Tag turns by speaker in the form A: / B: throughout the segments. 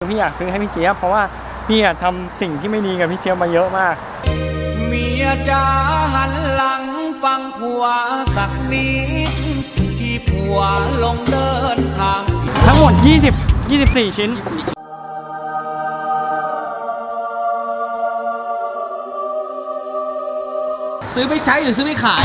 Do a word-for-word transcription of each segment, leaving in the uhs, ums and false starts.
A: พี่อยากซื้อให้พี่เจี๊ยบเพราะว่าพี่ทำสิ่งที่ไม่ดีกับพี่เจี๊ยบมาเยอะมาก
B: เมียจ๋าหันหลังฟังผัวสักนิดที่ผัวลงเดินทาง
A: ทั้งหมดยี่สิบ ยี่สิบสี่ชิ้น
C: ซื้อไปใช้หรือซื้อไปขาย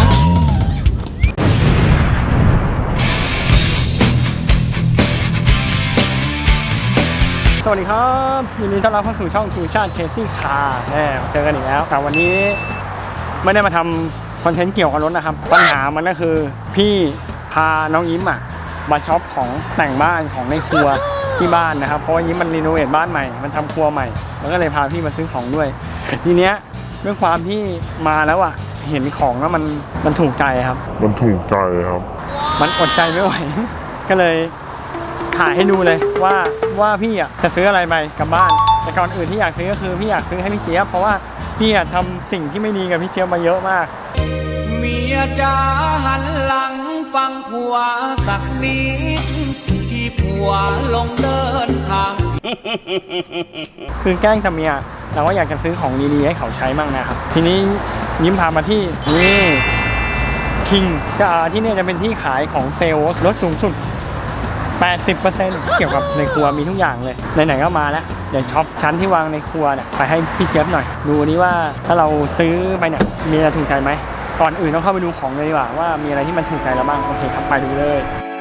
A: สวัสดีครับยินดีต้อนรับเข้าสู่ช่องทูชาติเคซี่คาร์แน่เจอกันอีกแล้วแต่วันนี้ไม่ได้มาทำคอนเทนต์เกี่ยวกับรถนะครับปัญหามันก็คือพี่พาน้องยิ้มอ่ะมาช็อปของแต่งบ้านของในครัวที่บ้านนะครับเพราะว่ายิ้มมันรีโนเวทบ้านใหม่มันทำครัวใหม่มันก็เลยพาพี่มาซื้อของด้วยทีเนี้ยด้วยความที่มาแล้วอ่ะเห็นของแล้วมันมันถูกใจครับ
D: มันถูกใจครับ
A: มันอดใจไม่ไหว ก็เลยถ่ายให้ดูเลยว่าว่าพี่อ่ะจะซื้ออะไรไปกลับบ้านแต่ก่อนอื่นที่อยากซื้อก็คือพี่อยากซื้อให้พี่เจี๊ยบเพราะว่าพี่อ่ะทำสิ่งที่ไม่ดีกับพี่เจี๊ยบมาเยอะมาก
B: เมียจ๋าหันหลังฟังผัวสักนิดที่ผัวลงเดินทาง
A: คือแกล้งทำเมียเราก็อยากจะซื้อของดีๆให้เขาใช้มั่งนะครับทีนี้ยิ้มพามาที่นี่คิงก็ที่นี่จะเป็นที่ขายของเซลล์ลดสูงสุดแปดสิบเปอร์เซ็นต์ เกี่ยวกับในครัวมีทุกอย่างเลยไหนๆก็มาแล้วเดี๋ยวช็อปชั้นที่วางในครัวเนี่ยไปให้พี่เจี๊ยบหน่อยดูนี่ว่าถ้าเราซื้อไปเนี่ยมีอะไรถูกใจไหมก่อนอื่นต้องเข้าไปดูของเลยดีกว่าว่ามีอะไรที่มันถูกใจเราบ้างโอเคครับไปดูเลย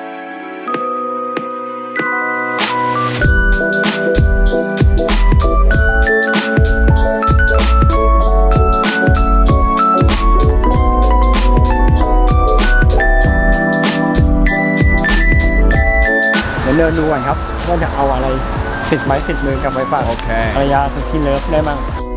A: เดินดูก่อนครับว่าจะเอาอะไรติดไม้ติดมือกับไว้ฝากภรรยาสุดที่เลิฟได้มั้ง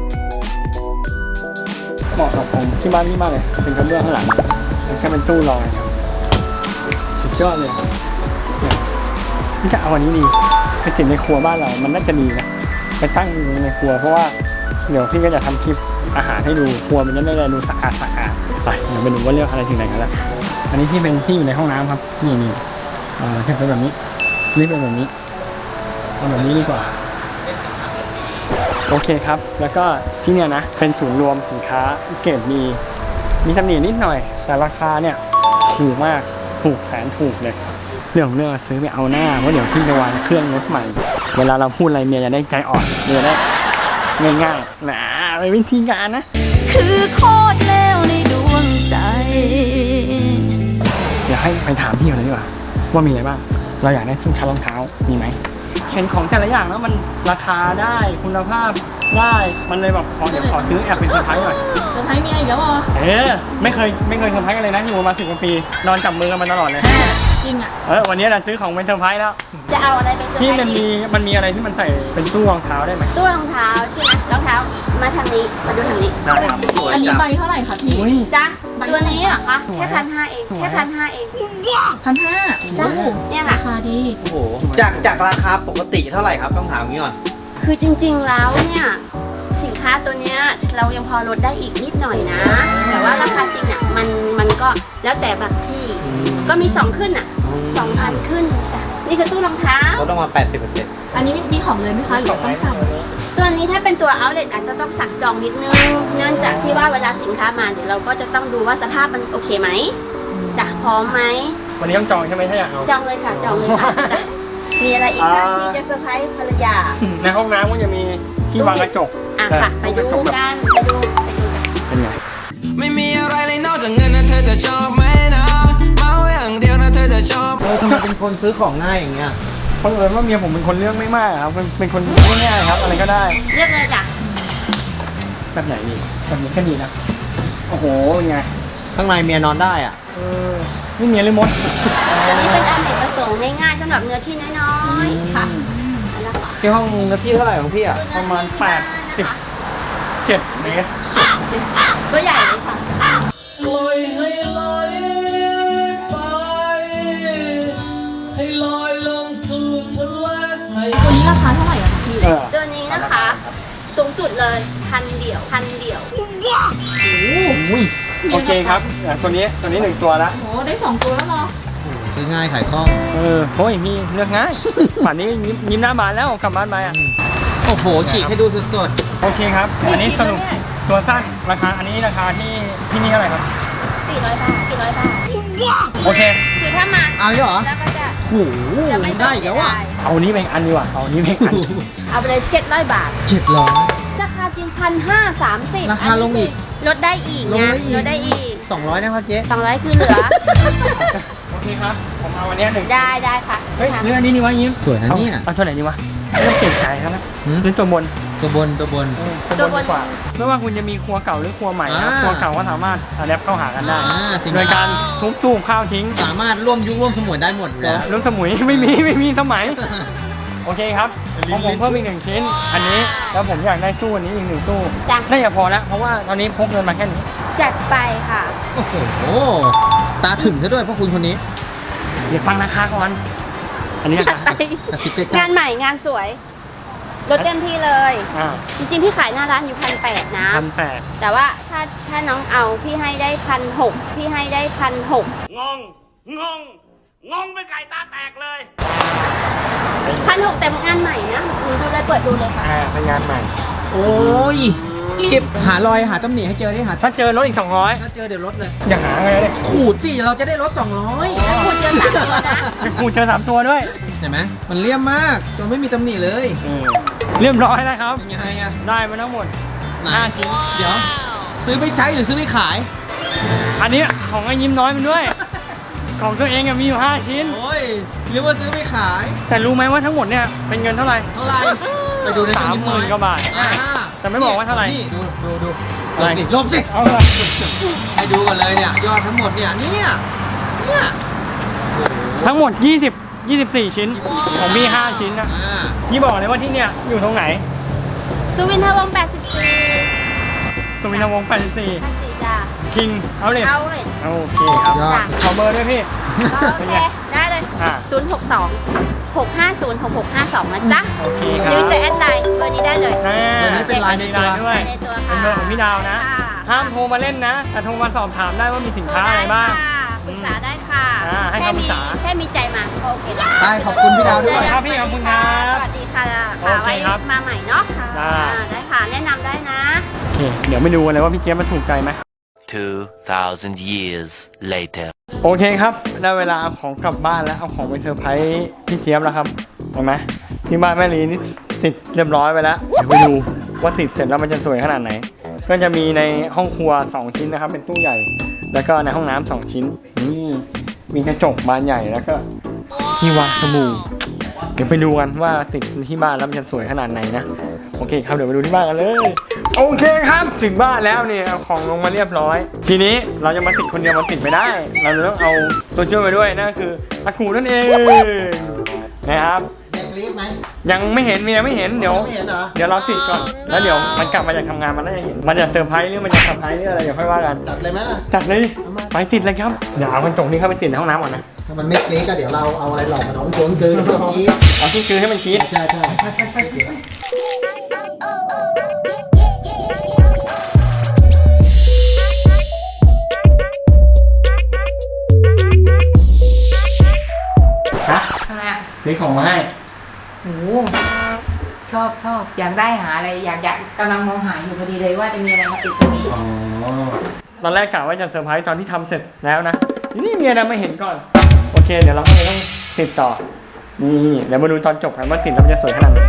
A: เหมาะกับผมที่บ้านนี่มากเลยเป็นกระเบื้องข้างหลังแค่เป็นตู้รองครับสุดยอดเลยนี่จะเอาอันนี้ดีไปติดในครัวบ้านเรามันน่าจะดีนะไปตั้งในครัวเพราะว่าเดี๋ยวพี่ก็จะทำคลิปอาหารให้ดูครัวมันจะได้ดูสะอาดสะอาดไปเดี๋ยวไปดูว่าเลือกอะไรถึงไหนกันแล้วอันนี้ที่เป็นที่อยู่ในห้องน้ำครับนี่นี่อ่าเป็นแบบนี้นี่เป็นแบบนี้เอาแบบนี้ดีกว่าโอเคครับแล้วก็ที่เนี่ยนะเป็นศูนย์รวมสินค้าเกรดมีมีตำหนินิดหน่อยแต่ราคาเนี่ยถูกมากถูกแสนถูกเลยเรื่องเรื่องซื้อไปเอาหน้าเพราะเดี๋ยวพี่จะวางเครื่องรถใหม่เวลาเราพูดอะไรเมียจะได้ใจอ่อนเมียได้ง่ายๆนะเป็นวิธีการนะ
E: คือโคตรแล้วในดวงใจ
A: เดี๋ยวให้ไปถามพี่เขาเลยดีกว่าว่ามีอะไรบ้างเราอยากได้ชุดชั้นรองเท้ามีไหมเห็นของแต่ละอย่างแล้วมันราคาได้คุณภาพได้มันเลยแบบขอเดี๋ยวขอซื้อแอบเป็นเซอร์ไพรส์หน่อย
E: เซอร์ไพรส์มีอะไรอีกแล้วเหรอ
A: เออไม่เคยไม่เคยเซอร์ไพรส์กันเลยนะอยู่มาสิบกว่าปีนอนจับมือกันมาตลอดเลย
E: จริงอ่ะ
A: เออวันนี้เราซื้อของเป็นเซอร์ไพรส์แล้ว
E: จะเอาอะไรเป็นเซอร์ไพรส์ที่
A: มันมีมันมีอะไรที่มันใส่เป็นตู้รองเท้าได้ไหม
E: ตู้รองเท้าใช่ไหมรองเท้ามาทางนี้มาดูทางนี้
F: อันนี้ใบเท่าไหร่คะพี่
E: จ้ะตัวนี้เหรอคะแค่พันห้าเองแค่พันห้าเอง
F: พันห้า
E: จ้ะเนี่ยค่ะ
F: ราคาดี
C: โอ้โหจากจากราคาปกติเท่าไหร่ครับต้องถามงี้ก่อน
E: คือจริงๆแล้วเนี่ยสินค้าตัวเนี้ยเรายังพอลดได้อีกนิดหน่อยนะแต่ว่าราคาจริงอ่ะมันมันก็แล้วแต่บางที่ก็มีสองขึ้นอ่ะสองพันขึ้นจ้ะนี่คือตู้รองเท้า
C: ลดลงมา แปดสิบเปอร์เซ็นต์
F: อันนี้มีของเลยไหมคะหรือต้องสั่ง
E: ตัวนี้ถ้าเป็นตัว outlet อาจจะต้องสั่งจองนิดนึงเนื่องจากที่ว่าเวลาสินค้ามาเดี๋ยวเราก็จะต้องดูว่าสภาพมันโอเคไหมจ้ะพร้อมไหม
A: วันนี้ต้องจองใช่ไหมถ้าอยากเอา
E: จองเลยค่ะจองเลยค่ะจ้ะมีอะไรอีกคะที่จะเซอร์ไพรส์ภรรยา
A: ในห้องน้ำก็จะมีที่วางกระจก
E: อ่ะค่ะไปดูกันไปดูไปดูกัน
A: เป็นไง
B: ไม่มีอะไรเลยนอกจากเงินนะเธอจะชอบไหมนะเมาอย่างเดียวนะเธอจะชอบ
C: เออทำไมเป็นคนซื้อของง่ายอย่างเงี้ย
A: เพราะเอิญว่าเมียผมเป็นคนเลือกไม่มากครับเป็นคนง่ายๆครับอะไรก็ได้
E: เลือกเลยจ้ะ
A: แบบไหนดีแบบนี้ก็ดีนะโอ้โหเป็นไง
C: ข้างในเมียนอนได้อ่ะ
A: เออนี่เมียเลยมด
E: ตัวนี้เป็นอันเนกประสงค์ง่ายๆสำหรับเนื้อที่น้อยๆค่ะ
C: ที่ห้องเนื้อที่เท่าไหร่ของพี่อ่ะ
A: ประมาณแปดสิบเจ็ดเมตร
E: ตัวใหญ่เลยค่ะ
B: ปล่อยให้ลอยไปให้ลอยลงสู่ทะเล
F: ตัวนี้ราคาเท่าไหร่อะคะพี่
E: ตัวนี้นะคะสูงสุดเลยพันเดี่ยวพันเดี่ยว
A: โอ้โหโอเคครับตัวนี้ตัวนี้หนึ่งตัวแล้ว
F: โอ้ได้สองตัวแล้วเนาะ
A: ใ
C: ซื้อง่ายขายคล่อง
A: เออโอ้ยมีเลือกง่าย ป่านนี้ยิ้มยิ้มหน้าบานแล้วกลับบ้านไปอ่ะ
C: โอ้โหฉีกให้ดูสด
A: โอเคครับ อันนี้สรุปตัวสั้นราคาอันนี้ราคาที่ที่นี่เท่าไหร่ครับ
E: สี่ร้อยบาทสี่ร้อยบาท
A: โอเค
E: คือถ้ามา
C: ๆเอาอีกเหรอ
E: แล้วก็จะ
C: โอ้โห
E: จะไม่
C: ได้อีกแล้วอ่ะ
A: เอานี้เป็นอันดีกว่าเอานี้เป็นอัน
E: เอาไปเลยเจ็ดร้อยบาท
C: เจ็ดร้อย
E: ราคาจริงพันห้าสามสิบ
C: ราคาลงอีก
E: ลดได้อีก
C: ลง
E: นะ
C: ได้อีก
E: ลดได้อีก
C: สองร้อยนะครับเจ๊
E: สองร้อยคือเหลือ
A: โอเคครับ ผมเอาอันเนี้ยหนึ่ง
E: ได้ได้ค่ะ
A: เฮ้ย
E: ค่ะ
A: เรื่องนี้นี่วะยิ้ม
C: สวยนะเนี่ย
A: อาเอาตัวไหนดีวะไม่ต้องเก่งใจครับนะ
C: หืม
A: ซื้อตัวบน
C: ตัวบนตัวบน
A: เออตัวบนดีกว่าไม่ว่าคุณจะมีครัวเก่าหรือครัวใหม่นะ
C: อ่า
A: ครัวเก่าก็สามารถอัดแอปเข้าหากันได้
C: อ่าสิ่ง
A: โดยการทุบตู้ข้าวทิ้ง
C: สามารถร่วมยุคร่วมสมุนได้หมดอยู่แล้ว
A: เรื่องสมุย ไม่มีไม่มีสมัย โอเคครับของผมเพิ่มอีกหนึ่งชิ้น อันนี้แล้วผมอยากได้ตู้อันนี้อีกหนึ่งตู้
E: จ้ะ
A: น่าจะพอแล้วเพราะว่าตอนนี้พกเงินมาแค่นี้
E: จัดไปค่ะ
C: โอ้โหตาถึงซะด้วยพ่อคุณคนนี้
A: เดี๋ยวฟังราคาก่อน อันนี้
E: จั
A: รา
E: ด
A: คา
E: ไป
C: กระซิบใกล้ๆ
E: งานใหม่งานสวยลดเต็มที่เลย
A: อ่า
E: จริงๆพี่ขายหน้าร้านอยู่พันแปดนะ
A: พันแปด
E: แต่ว่าถ้าถ้าน้องเอาพี่ให้ได้พันหกพี่ให้ได้พันหก
B: งง งง งงเป็นไก่ตาแตกเลย
E: พันหกแต่งานใหม่นะหนูดูเลยเปิดดูเลยค่ะ
A: อ่าเป็นงานใหม่
C: โอ้ยรีบหารอยหาตำหนิให้เจอดิหา
A: ถ้าเจอรถอีกสองร้อย
C: ถ้าเจอเดี๋ยวลดเลย
A: อยากหาไงเลย
C: ขูดสิเราจะได้ลดสองร้อย
E: แล้วคุณเจอสามตัวนะ
A: จะคูเจอสามตัวด้วย
C: เห็นไหมมันเลี่ยมมากจนไม่มีตำหนิเลย
A: อืมเรียบร้อยแล้วครับ
C: เป็นยังไงอะ
A: ได้มาทั้งหมด
C: ไหน
A: ห้าชิ้น
C: เดี๋ยว ซื้อไปใช้หรือซื้อไปขาย
A: อันนี้ของไอ้ยิ้มน้อยมันด้วย ของตัวเองอะมีอยู่ห้าชิ้น
C: โอ้ยเรียกว่าซื้อไปขาย
A: แต่รู้ไหมว่าทั้งหมดเนี่ยเป็นเงินเท่าไหร่
C: เท่าไหร่ไปดูใน
A: สามหมื่นกว่าบาท
C: อ่า
A: แต่ไม่บอกว่าเท่าไหร่
C: นี่ดูดูดู
A: อะ
C: ล
A: ไร
C: บสิลบสิ
A: เอาละ
C: ให้ดูกันเลยเนี่ยยอดทั้งหมดเนี่ยเนี่ยเนี่ยโอ้โห
A: ทั้งหมดยี่สิบ ยี่สิบสี่ชิ้น ของมีห้าชิ้นนะ
C: อ่า
A: ยี่บอกเลยว่าที่เนี่ยอยู่ตรงไหน
E: สุวินทวงศ์แปดสิบสี่
A: สุวินทวงศ์แปดสิบสี่
E: พันสี่จ้ะ
A: คิงเอาเลย
E: เอาเลย
A: โอเคครับ
C: ยอด
A: ขอเบอร์ด้วยพี่
E: โอเคได้เลย
A: อ่า
E: ศูนย์หกสองหกห้าศูนย์หกหกห้าสองนะจ๊ะ
A: โอเคค
E: ห
A: รับ
E: รือจะแอดไลน์เบอร์นี้ได้เลย
A: อ่า
C: เบอร์นี้เป็นไลน์ในตัว
A: ด้วย
E: ในตัว
A: เป็
E: ค่ะ
A: นเบอร์ของพี่ดาวนะ
E: ค่ะ
A: ห้ามโทรมาเล่นนะ แต่โทรมาสอบถามได้ว่ามีสินค้าอะไรบ้าง
E: ได้ค่ะปรึกษาได้ค่ะ
A: อ่าให้
E: แค่
A: คำปรึ
E: มี
A: กษา
E: แค่มีใจมาก็โอเคแล้ว
C: ได้ขอบคุณพี่ดาวด้วย
A: ครับพี่ขอบคุณครับ
E: สวัสดีค่ะ
A: โอ
E: ค่ะ
A: เค
E: ไว้
A: ครับ
E: มาใหม่เนาะค่ะ
A: ได้
E: อ่าได้ค่ะ แนะนำได้นะ
A: โอเค เดี๋ยวไปดูกันเลยว่าพี่เจี๊ยบมันถูกใจไหม
D: Two thousand years later.
A: โอเคครับ ได้เวลาเอาของกลับบ้านแล้วเอาของไปเซอร์ไพรส์พี่เจี๊ยบแล้วครับเห็นไหมที่บ้านแม่ลีนี่ติดเรียบร้อยไปแล้วเดี๋ยวไปดูว่าติดเสร็จแล้วมันจะสวยขนาดไหน ก็จะมีในห้องครัวสองชิ้นนะครับ เป็นตู้ใหญ่ แล้วก็ในห้องน้ำสองชิ้นนี่มีกระจกบานใหญ่แล้วก็ที่วางสบู่เดี๋ยวไปดูกันว่าติดที่บ้านแล้วมันจะสวยขนาดไหนนะโอเคครับเดี๋ยวไปดูที่บ้านกันเลยโอเคครับถึงบ้านแล้วเนี่ยเอาของลงมาเรียบร้อย ทีนี้เราจะมาติดคนเดียวมันติดไม่ได้ เราจะต้องเอาตัวช่วยมาด้วยนั่นคืออากูนั่นเองนะครับ
C: เด็กรีบไหม
A: ยังไม่เห็นเมียไม่เห็นเดี๋ยว
C: ไม่เห็นเหรอ
A: เดี๋ยวเราติดก่อนแล้วเดี๋ยวมันกลับมาจากทำงานมันน่าจะเห็นมันจะเซอร์ไพรส์หรือมันจะเซอร์ไพรส์หรืออะไรเดี๋ยวค่อยว่ากัน
C: จัดเลยไหมล่ะ
A: จัดเลยไปติดเลยครับเดี๋ยวเอากระจกนี้เข้าไปติดในห้องน้ำก่อนนะ
C: ถ้ามันไม่กรี๊ดก็เดี๋ยวเราเอาอะไรหลอกมันเอาโจนเกินเมื่อกี้
A: เอาที่คือให้มันกรี๊ด
C: ใช่ใช่
A: ฮะ
G: ทำไมอ่ะ
A: ซื้อของมาให้
G: โอ้โหชอบชอบอยากได้หาอะไรอยากอยากกำลังมองหาอยู่พอดีเลยว่าจะมีอะไรมาติดตรงนี้
A: อ๋อตอนแรกกะว่าจะเซอร์ไพรส์ตอนที่ทำเสร็จแล้วนะนี่เมียดันไม่เห็นก่อนโอเคเดี๋ยวเราก็เลยต้องติดต่อนี่เดี๋ยวมาดูตอนจบกันว่าติดแล้วมันจะสวยขนาดไหน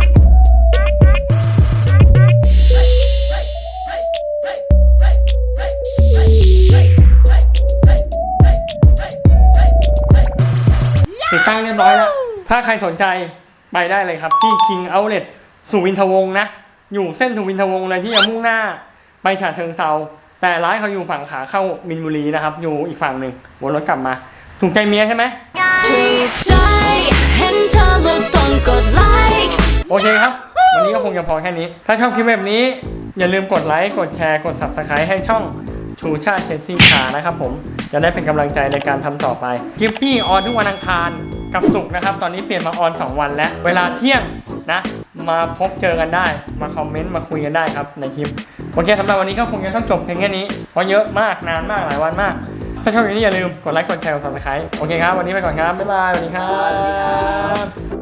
A: ติดตั้งเรียบร้อยแล้วถ้าใครสนใจไปได้เลยครับที่ King Outlet สุวินทวงศ์นะอยู่เส้นสุวินทวงศ์เลยที่จะมุ่งหน้าไปฉะเชิงเทราแต่ร้านเขาอยู่ฝั่งขาเข้ามินบุรีนะครับอยู่อีกฝั่งหนึ่งวนรถกลับมาถูกใจเมียใช่ไหม
H: ถูกใจเห็นเธอแล้วต้องกดไลค์
A: โอเคครับ วันนี้ก็คงจะพอแค่นี้ ถ้าชอบคลิปแบบนี้ อย่าลืมกดไลค์กดแชร์กด ซับสไครบ์ ให้ช่องชูชาติเชนซี่คานะครับผมจะได้เป็นกำลังใจในการทำต่อไปคลิปที่ออนทุกวันอังคารกับศุกร์นะครับตอนนี้เปลี่ยนมาออนสองวันแล้วเวลาเที่ยงนะมาพบเจอกันได้มาคอมเมนต์มาคุยกันได้ครับในคลิปโอเคสำหรับวันนี้ก็คงจะต้องจบเพียงแค่นี้เพราะเยอะมากนานมากหลายวันมากถ้าชอบอย่างนี้อย่าลืมกดไลค์กดแชร์กดซับสไครต์โอเคครับวันนี้ไปก่อนครับบ๊ายบายสวัสดีครับ